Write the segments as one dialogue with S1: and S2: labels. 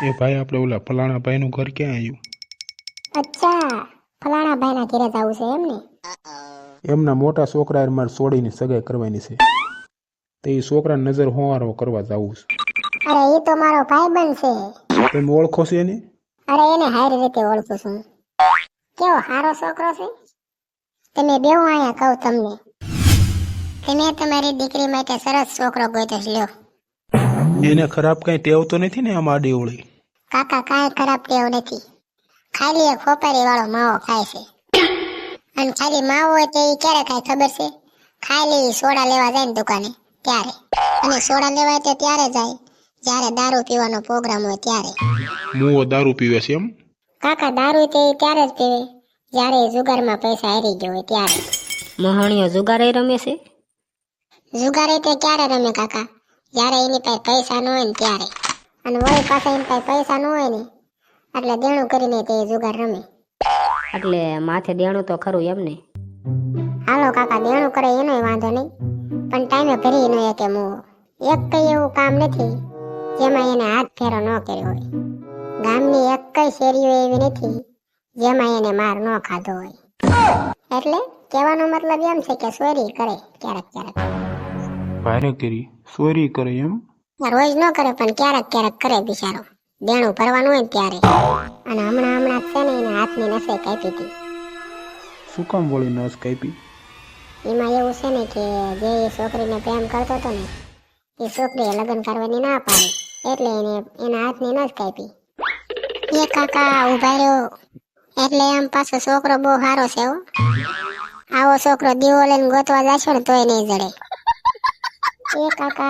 S1: એ ભાઈ આપણે ઓલા ફલાણા ભાઈનું ઘર ક્યાં આવ્યું?
S2: અચ્છા, ફલાણા ભાઈના ઘરે જવું છે એમ ને?
S1: એમના મોટા છોકરા મારે છોડીને સગાઈ કરવાની છે, તો એ છોકરાને નજર હોવારો કરવા જવું છે.
S2: અરે એ તો મારો ભાઈબંધ છે.
S1: તમે ઓળખો છો એને?
S2: અરે એને હારી રીતે ઓળખું છું. કેવો સારો છોકરો છે. તમે બેહો અહીંયા કહું તમને. તમે તમારી દીકરી માટે સરસ છોકરો ગોત્યો લ્યો.
S1: એને ખરાબ કઈ ટેવ તો નથી ને આમ આડી ઓળી?
S2: કાકા કાંઈ ખરાબ ટેવ નથી. ખાલી એક ખોપારી વાળો માવો ખાય છે. અને ખાલી માવો હોય તો એ ક્યારે ખાય ખબર છે? ખાલી સોડા લેવા જાય ને દુકાને ત્યારે. અને સોડા લેવા તો ત્યારે જાય જ્યારે દારૂ પીવાનો પ્રોગ્રામ હોય ત્યારે.
S1: મુઓ દારૂ પીવે છે એમ?
S2: કાકા દારૂ તે ત્યારે જ પીવે જ્યારે જુગારમાં પૈસા હારી ગયો હોય ત્યારે.
S3: મહાણીઓ જુગારે રમે છે?
S2: જુગારે તે ક્યારે રમે કાકા? જ્યારે એની પાસે પૈસા ન હોય ને ત્યારે. અને વળી પાછા એની પાસે પૈસા ન હોય ને એટલે દેણું કરીને તે જુગાર રમે.
S3: એટલે માથે દેણું તો ખરું એમ ને?
S2: હાલો કાકા દેણું કરે એનોય વાંધો નહીં, પણ ટાઈમે ભરી ન કે મુઓ. એક કઈ એવું કામ નથી જેમાં એને હાથ ફેરો ન કર્યો હોય. ગામની એક કઈ શેરીઓ એવી નથી જેમાં એને માર ન ખાધો હોય. એટલે કહેવાનો મતલબ એમ છે કે ચોરી કરે ક્યારેક ક્યારેક.
S1: ભારે કરી ચોરી કરે એમ?
S2: રોજ ન કરે પણ ક્યારેક ક્યારેક કરે બિચારો, દેણું ભરવાનું હોય ને ત્યારે. અને હમણાં છે ને એને હાથની નસે કાપી હતી.
S1: શું કામ વળી નસ કાપી?
S2: એમાં એવું છે ને કે જે એ છોકરીને પ્રેમ કરતો હતો ને એ છોકરીએ લગ્ન કરવાની ના પાડી એટલે એને એના હાથની નસ કાપી. એ કાકા ઉભા રહ્યો. એટલે આમ પાછો છોકરો બહુ સારો છે હો. આવો છોકરો દીવો લઈને ગોતવા જશો ને તોય નહીં જડે. એ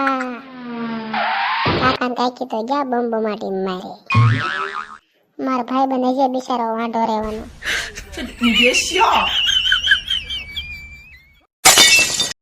S2: કાકાને કાકી તો ગયા બમ્બમાટી મારે. મારો ભાઈ બને છે બિચારો વાંઢો રહેવાનો.